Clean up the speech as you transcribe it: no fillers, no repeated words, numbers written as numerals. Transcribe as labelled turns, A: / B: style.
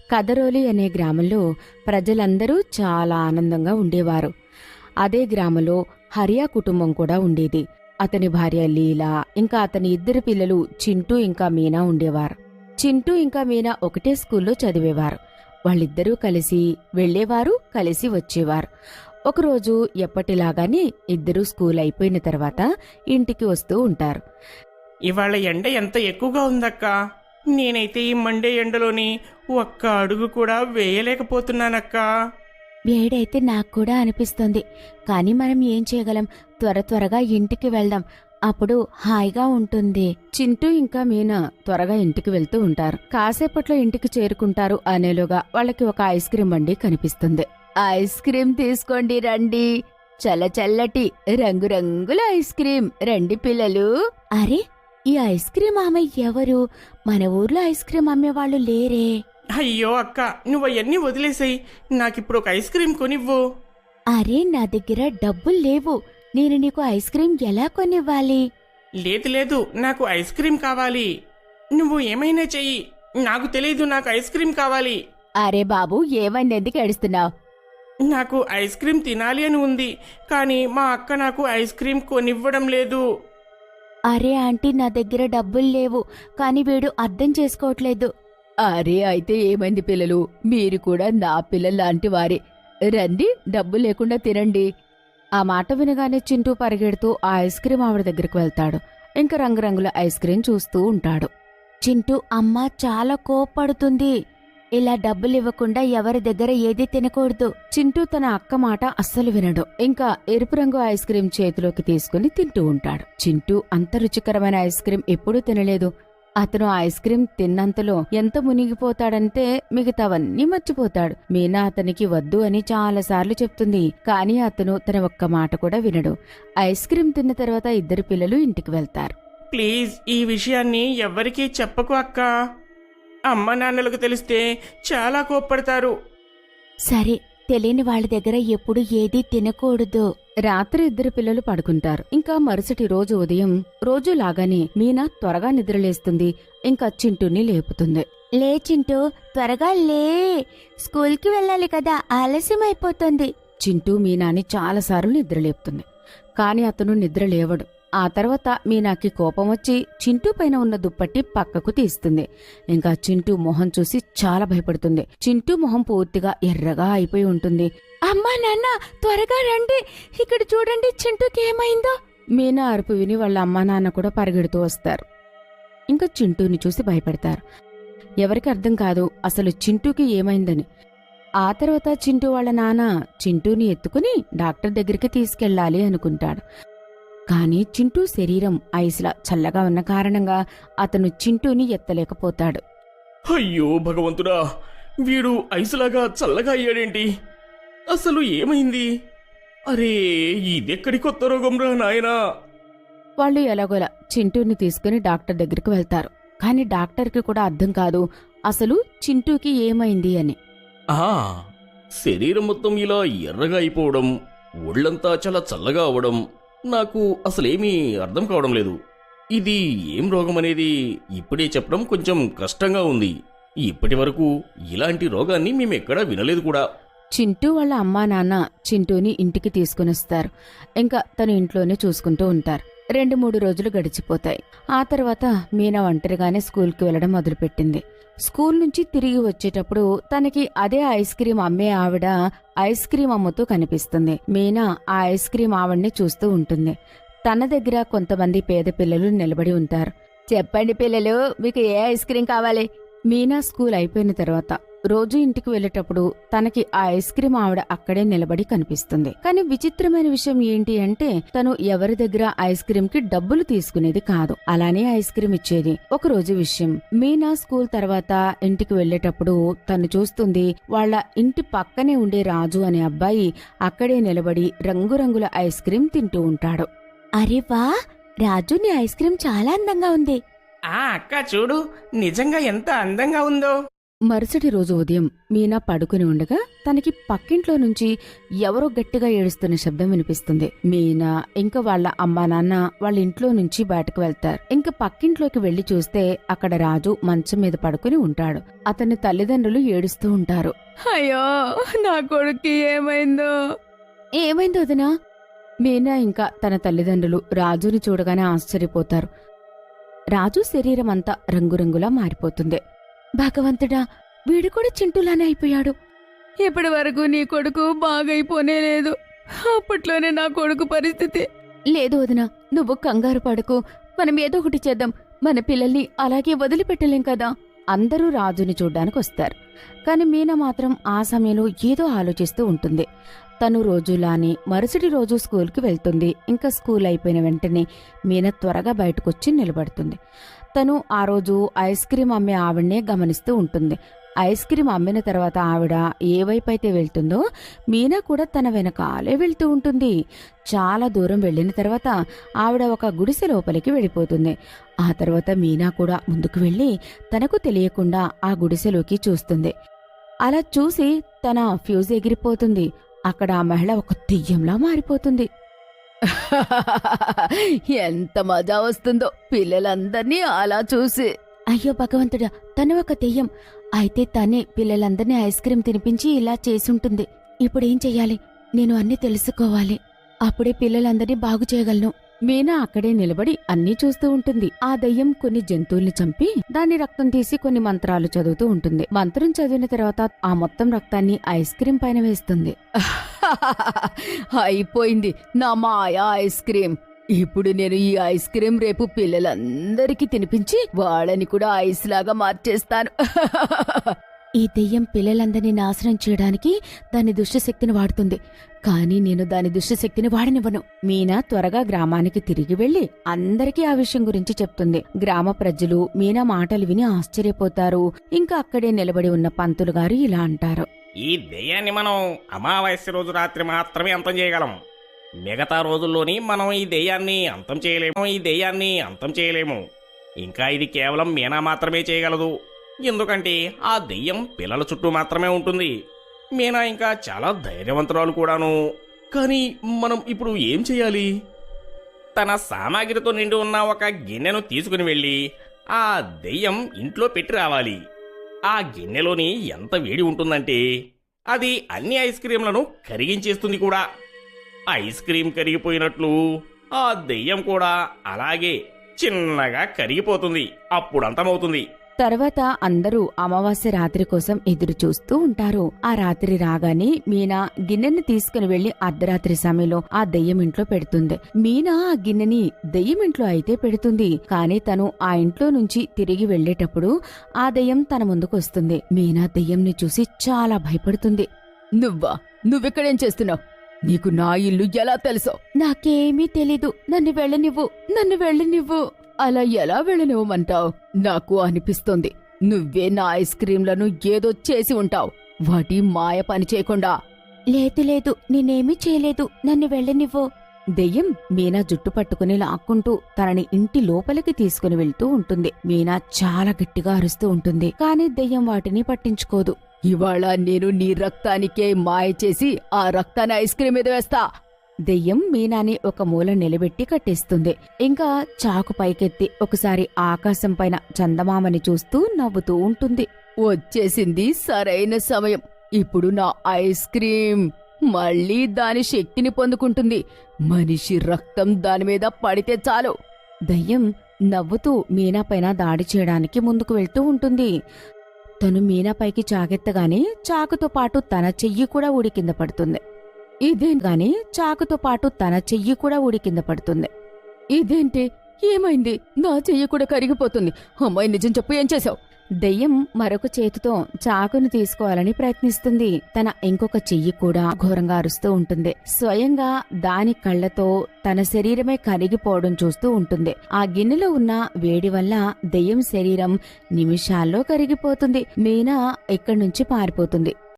A: కదరోలి అనే గ్రామంలో ప్రజలందరూ చాలా ఆనందంగా ఉండేవారు. అదే గ్రామంలో హరియా కుటుంబం కూడా ఉండేది. అతని భార్య లీలా ఇంకా అతని ఇద్దరు పిల్లలు చింటూ ఇంకా మీనా ఉండేవారు. చింటూ ఇంకా మీనా ఒకటే స్కూల్లో చదివేవారు. వాళ్ళిద్దరూ కలిసి వెళ్లేవారు, కలిసి వచ్చేవారు. ఒకరోజు ఎప్పటిలాగానే ఇద్దరూ స్కూల్ అయిపోయిన తర్వాత ఇంటికి వస్తూ ఉంటారు.
B: ఇవాళ ఎండ ఎంత ఎక్కువగా ఉందక్కా. నేనైతే ఈ మండే ఎండలోని ఒక్క అడుగు కూడా వేయలేకపోతున్నానక్కా.
A: వేడైతే నాకు కూడా అనిపిస్తుంది. కానీ మనం ఏం చేయగలం? త్వరగా ఇంటికి వెళ్దాం, అప్పుడు హాయిగా ఉంటుంది. చింటూ ఇంకా మీనా త్వరగా ఇంటికి వెళ్తూ ఉంటారు. కాసేపట్లో ఇంటికి చేరుకుంటారు. అనేలోగా వాళ్ళకి ఒక ఐస్ క్రీం బండి కనిపిస్తుంది. ఐస్ క్రీం తీసుకోండి రండి, చల్లటి రంగురంగుల ఐస్ క్రీం రండి పిల్లలు. అరే, ఈ ఐస్ క్రీం ఆమె ఎవరు? మన ఊర్లో ఐస్ క్రీం అమ్మేవాళ్ళు లేరే.
B: అయ్యో అక్క, నువ్వు అవన్నీ వదిలేసాయి. నాకిప్పుడు ఒక ఐస్ క్రీం కొనివ్వు.
A: అరే, నా దగ్గర డబ్బులు లేవు. నేను నీకు ఐస్ క్రీం ఎలా కొనివ్వాలి?
B: లేదు, నాకు ఐస్ క్రీం కావాలి. నువ్వు ఏమైనా చెయ్యి, నాకు తెలీదు, నాకు ఐస్ క్రీం కావాలి.
A: అరే బాబు, ఏమైంది? ఎందుకు ఏడుస్తున్నావు?
B: నాకు ఐస్ క్రీం తినాలి అని ఉంది, కానీ మా అక్క నాకు ఐస్ క్రీం కొనివ్వడం లేదు.
A: అరే ఆంటీ, నా దగ్గర డబ్బులు లేవు, కానీ వీడు అర్థం చేసుకోవట్లేదు. అరే, అయితే ఏమైంది పిల్లలు? మీరు కూడా నా పిల్లల్లాంటి వారే. రండి, డబ్బు లేకుండా తినండి. ఆ మాట వినగానే చింటూ పరిగెడుతూ ఆ ఐస్ క్రీం ఆవిడ దగ్గరికి వెళ్తాడు. ఇంకా రంగురంగుల ఐస్ క్రీం చూస్తూ ఉంటాడు. చింటూ అమ్మ చాలా కోప్పడుతుంది. ఇలా డబ్బులు ఇవ్వకుండా ఎవరి దగ్గర ఏదీ తినకూడదు. చింటూ తన అక్క మాట అస్సలు వినడు. ఇంకా ఎరుపు రంగు ఐస్ క్రీం చేతిలోకి తీసుకుని తింటూ ఉంటాడు. చింటూ అంత రుచికరమైన ఐస్ క్రీం ఎప్పుడూ తినలేదు. అతను ఐస్ క్రీం తిన్నంతలో ఎంత మునిగిపోతాడంటే మిగతావన్నీ మర్చిపోతాడు. మీనా అతనికి వద్దు అని చాలాసార్లు చెప్తుంది, కానీ అతను తన ఒక్క మాట కూడా వినడు. ఐస్ క్రీం తిన్న తర్వాత ఇద్దరు పిల్లలు ఇంటికి వెళ్తారు.
B: ప్లీజ్, ఈ విషయాన్ని ఎవ్వరికీ చెప్పకు అక్క. అమ్మ నాన్నలకు తెలిస్తే చాలా కోప్పడతారు.
A: సరే, తెలియని వాళ్ళ దగ్గర ఎప్పుడు ఏదీ తినకూడదు. రాత్రి ఇద్దరు పిల్లలు పడుకుంటారు. ఇంకా మరుసటి రోజు ఉదయం రోజు లాగానే మీనా త్వరగా నిద్రలేస్తుంది. ఇంకా చింటూని లేపుతుంది. లే చింటూ, త్వరగా లే, స్కూల్కి వెళ్ళాలి కదా, ఆలస్యం అయిపోతుంది. చింటూ మీనాని చాలాసార్లు నిద్రలేపుతుంది, కానీ అతను నిద్ర లేవడు. ఆ తర్వాత మీనాకి కోపం వచ్చి చింటూ పైన ఉన్న దుప్పట్టి పక్కకు తీస్తుంది. ఇంకా చింటూ మొహం చూసి చాలా భయపడుతుంది. చింటూ మొహం పూర్తిగా ఎర్రగా అయిపోయి ఉంటుంది. అమ్మా నాన్న, త్వరగా రండి, ఇక్కడ చూడండి, చింటూకి ఏమైందో. మీనా అరుపు విని వాళ్ళ అమ్మా నాన్న కూడా పరిగెడుతూ వస్తారు. ఇంకా చింటూని చూసి భయపడతారు. ఎవరికి అర్థం కాదు అసలు చింటూకి ఏమైందని. ఆ తర్వాత చింటూ వాళ్ళ నాన్న చింటూని ఎత్తుకుని డాక్టర్ దగ్గరికి తీసుకెళ్లాలి అనుకుంటాడు. కానీ చింటూ శరీరం ఐస్లా చల్లగా ఉన్న కారణంగా అతను చింటూని ఎత్తలేకపోతాడు.
B: అయ్యో భగవంతుడా, వీడు ఐసులాగా చల్లగా అయ్యాడేంటి? అసలు ఏమైంది? అరే, ఇదెక్కడి కొత్త రోగంరా నాయనా.
A: వాళ్ళు ఎలాగోలా చింటూని తీసుకుని డాక్టర్ దగ్గరికి వెళ్తారు. కానీ డాక్టర్కి కూడా అర్థం కాదు అసలు చింటూకి ఏమైంది అని.
B: శరీరం మొత్తం ఇలా ఎర్రగా అయిపోవడం, ఒళ్ళంతా చాలా చల్లగా అవడం నాకు అసలేమీ అర్థం కావడం లేదు. ఇది ఏం రోగం అనేది ఇప్పుడే చెప్పడం కొంచెం కష్టంగా ఉంది. ఇప్పటి వరకు ఇలాంటి రోగాన్ని మేమెక్కడా వినలేదు కూడా.
A: చింటూ వాళ్ళ అమ్మా నాన్న చింటూని ఇంటికి తీసుకునొస్తారు. ఇంకా తను ఇంట్లోనే చూసుకుంటూ ఉంటారు. 2-3 రోజులు గడిచిపోతాయి. ఆ తర్వాత మీనా ఒంటరిగానే స్కూల్కి వెళ్లడం మొదలుపెట్టింది. స్కూల్ నుంచి తిరిగి వచ్చేటప్పుడు తనకి అదే ఐస్ క్రీం అమ్మే ఆవిడ ఐస్ క్రీం అమ్ముతూ కనిపిస్తుంది. మీనా ఆ ఐస్ క్రీం ఆవిడ్ని చూస్తూ ఉంటుంది. తన దగ్గర కొంతమంది పేద పిల్లలు నిలబడి ఉంటారు. చెప్పండి పిల్లలు, మీకు ఏ ఐస్ క్రీం కావాలి? మీనా స్కూల్ అయిపోయిన తర్వాత రోజు ఇంటికి వెళ్లేటప్పుడు తనకి ఆ ఐస్ క్రీం ఆవిడ అక్కడే నిలబడి కనిపిస్తుంది. కానీ విచిత్రమైన విషయం ఏంటి అంటే తను ఎవరి దగ్గర ఐస్ క్రీం కి డబ్బులు తీసుకునేది కాదు, అలానే ఐస్ క్రీం ఇచ్చేది. ఒక రోజు విషయం, మీనా స్కూల్ తర్వాత ఇంటికి వెళ్లేటప్పుడు తను చూస్తుంది వాళ్ళ ఇంటి పక్కనే ఉండే రాజు అనే అబ్బాయి అక్కడే నిలబడి రంగురంగుల ఐస్ క్రీం తింటూ ఉంటాడు. అరే వా, రాజు, నీ ఐస్ క్రీం చాలా అందంగా ఉంది.
B: అక్క చూడు, నిజంగా ఎంత అందంగా ఉందో.
A: మరుసటి రోజు ఉదయం మీనా పడుకుని ఉండగా తనకి పక్కింట్లో నుంచి ఎవరో గట్టిగా ఏడుస్తున్న శబ్దం వినిపిస్తుంది. మీనా ఇంకా వాళ్ళ అమ్మా నాన్న వాళ్ళ ఇంట్లో నుంచి బయటకు వెళ్తారు. ఇంకా పక్కింట్లోకి వెళ్లి చూస్తే అక్కడ రాజు మంచం మీద పడుకుని ఉంటాడు. అతని తల్లిదండ్రులు ఏడుస్తూ ఉంటారు. అయ్యో, నా కొడుక్కి ఏమైందో వదినా? మీనా ఇంకా తన తల్లిదండ్రులు రాజుని చూడగానే ఆశ్చర్యపోతారు. రాజు శరీరం అంతా రంగురంగులా మారిపోతుంది. భగవంతుడా, వీడు కూడా చింటూలానే అయిపోయాడు. ఇప్పటి వరకు నీ కొడుకు బాగైపోనే లేదు. అప్పట్లోనే నా కొడుకు పరిస్థితి. లేదు వదినా, నువ్వు కంగారు పడకు. మనం ఏదో ఒకటి చేద్దాం. మన పిల్లల్ని అలాగే వదిలిపెట్టలేం కదా. అందరూ రాజుని చూడ్డానికి వస్తారు. కాని మీనా మాత్రం ఆ సమయంలో ఏదో ఆలోచిస్తూ ఉంటుంది. తను రోజులానే మరుసటి రోజు స్కూల్కి వెళ్తుంది. ఇంకా స్కూల్ అయిపోయిన వెంటనే మీనా త్వరగా బయటకొచ్చి నిలబడుతుంది. తను ఆ రోజు ఐస్ క్రీం అమ్మే ఆవిడనే గమనిస్తూ ఉంటుంది. ఐస్ క్రీం అమ్మిన తర్వాత ఆవిడ ఏ వైపు అయితే వెళ్తుందో మీనా కూడా తన వెనకాలే వెళ్తూ ఉంటుంది. చాలా దూరం వెళ్లిన తర్వాత ఆవిడ ఒక గుడిసె లోపలికి వెళ్ళిపోతుంది. ఆ తర్వాత మీనా కూడా ముందుకు వెళ్లి తనకు తెలియకుండా ఆ గుడిసెలోకి చూస్తుంది. అలా చూసి తన ఫ్యూజ్ ఎగిరిపోతుంది. అక్కడ ఆ మహిళ ఒక దెయ్యంలా మారిపోతుంది. ఎంత మజా వస్తుందో పిల్లలందర్నీ అలా చూసి. అయ్యో భగవంతుడా, తను ఒక దెయ్యం అయితే తనే పిల్లలందర్నీ ఐస్ క్రీం తినిపించి ఇలా చేసుంటుంది. ఇప్పుడేం చెయ్యాలి? నేను అన్నీ తెలుసుకోవాలి. అప్పుడే పిల్లలందరినీ బాగు చేయగలను. మీనా అక్కడే నిలబడి అన్నీ చూస్తూ ఉంటుంది. ఆ దెయ్యం కొన్ని జంతువుల్ని చంపి దాని రక్తం తీసి కొన్ని మంత్రాలు చదువుతూ ఉంటుంది. మంత్రం చదివిన తర్వాత ఆ మొత్తం రక్తాన్ని ఐస్ క్రీం పైన వేస్తుంది. అయిపోయింది నా మాయా ఐస్ క్రీం. ఇప్పుడు నేను ఈ ఐస్ క్రీం రేపు పిల్లలందరికీ తినిపించి వాళ్ళని కూడా ఐస్ లాగా మార్చేస్తాను. ఈ దెయ్యం పిల్లలందరినీ నాశనం చేయడానికి దాని దుష్టశక్తిని వాడుతుంది. కానీ నేను దాని దుష్టశక్తిని వాడనివ్వను. మీనా త్వరగా గ్రామానికి తిరిగి వెళ్లి అందరికీ ఆ విషయం గురించి చెప్తుంది. గ్రామ ప్రజలు మీనా మాటలు విని ఆశ్చర్యపోతారు. ఇంకా అక్కడే నిలబడి ఉన్న పంతులు గారు ఇలా అంటారు.
B: ఈ దెయ్యాన్ని మనం అమావాస్య రోజు రాత్రి మాత్రమే అంతం చేయగలం. మిగతా రోజుల్లోని మనం ఈ దెయ్యాన్ని అంతం చేయలేము. ఇంకా ఇది కేవలం మీనా మాత్రమే చేయగలదు. ఎందుకంటే ఆ దెయ్యం పిల్లల చుట్టూ మాత్రమే ఉంటుంది. మీనా ఇంకా చాలా ధైర్యవంతురాలు కూడాను. కానీ మనం ఇప్పుడు ఏం చేయాలి? తన సామాగ్రితో నిండి ఉన్న ఒక గిన్నెను తీసుకుని వెళ్ళి ఆ దెయ్యం ఇంట్లో పెట్టి రావాలి. ఆ గిన్నెలోని ఎంత వేడి ఉంటుందంటే అది అన్ని ఐస్ క్రీంలను కరిగించేస్తుంది కూడా. ఐస్ క్రీం కరిగిపోయినట్లు ఆ దెయ్యం కూడా అలాగే చిన్నగా కరిగిపోతుంది. అప్పుడు అంతమవుతుంది.
A: తర్వాత అందరూ అమావాస్య రాత్రి కోసం ఎదురు చూస్తూ ఉంటారు. ఆ రాత్రి రాగానే మీనా గిన్నెని తీసుకుని వెళ్లి అర్ధరాత్రి సమయంలో ఆ దెయ్యం ఇంట్లో పెడుతుంది. మీనా ఆ గిన్నెని దెయ్యం ఇంట్లో అయితే పెడుతుంది. కానీ తను ఆ ఇంట్లో నుంచి తిరిగి వెళ్లేటప్పుడు ఆ దెయ్యం తన ముందుకు వస్తుంది. మీనా దెయ్యంని చూసి చాలా భయపడుతుంది. నువ్వెక్కడేం చేస్తున్నావు? నీకు నా ఇల్లు ఎలా తెలుసో? నాకేమీ తెలీదు. నన్ను వెళ్ళనివ్వు. అలా ఎలా వెళ్ళనివ్వమంటావు? నాకు అనిపిస్తోంది నువ్వే నా ఐస్ క్రీంలను ఏదో చేసి ఉంటావు. వాటి మాయ పని చేయకుండా. లేదు, నేనేమీ చేయలేదు. నన్ను వెళ్ళనివ్వు. దెయ్యం మీనా జుట్టు పట్టుకుని లాక్కుంటూ తనని ఇంటి లోపలికి తీసుకుని వెళ్తూ ఉంటుంది. మీనా చాలా గట్టిగా అరుస్తూ ఉంటుంది. కానీ దెయ్యం వాటిని పట్టించుకోదు. ఇవాళ నేను నీ రక్తానికే మాయ చేసి ఆ రక్తాన్ని ఐస్ క్రీం మీద వేస్తా. దెయ్యం మీనాని ఒక మూల నిలబెట్టి కట్టేస్తుంది. ఇంకా చాకు పైకెత్తి ఒకసారి ఆకాశం పైన చందమామని చూస్తూ నవ్వుతూ ఉంటుంది. వచ్చేసింది సరైన సమయం. ఇప్పుడు నా ఐస్ క్రీం మళ్ళీ దాని శక్తిని పొందుకుంటుంది. మనిషి రక్తం దాని మీద పడితే చాలు. దయ్యం నవ్వుతూ మీనా పైన దాడి చేయడానికి ముందుకు వెళ్తూ ఉంటుంది. తను మీనాపైకి చాకెత్తగానే చాకుతో పాటు తన చెయ్యి కూడా ఊడి కింద పడుతుంది. ఇదేంటి? ఏమైంది? నా చెయ్యి కూడా కరిగిపోతుంది. అమ్మాయి నిజం చెప్పు, ఏం చేశావు? దెయ్యం మరొక చేతితో చాకును తీసుకోవాలని ప్రయత్నిస్తుంది. తన ఇంకొక చెయ్యి కూడా ఘోరంగా అరుస్తూ ఉంటుంది. స్వయంగా దాని కళ్లతో తన శరీరమే కరిగిపోవడం చూస్తూ ఉంటుంది. ఆ గిన్నెలో ఉన్న వేడి వల్ల దెయ్యం శరీరం నిమిషాల్లో కరిగిపోతుంది. మీనా ఇక్కడి నుంచి పారిపోతుంది.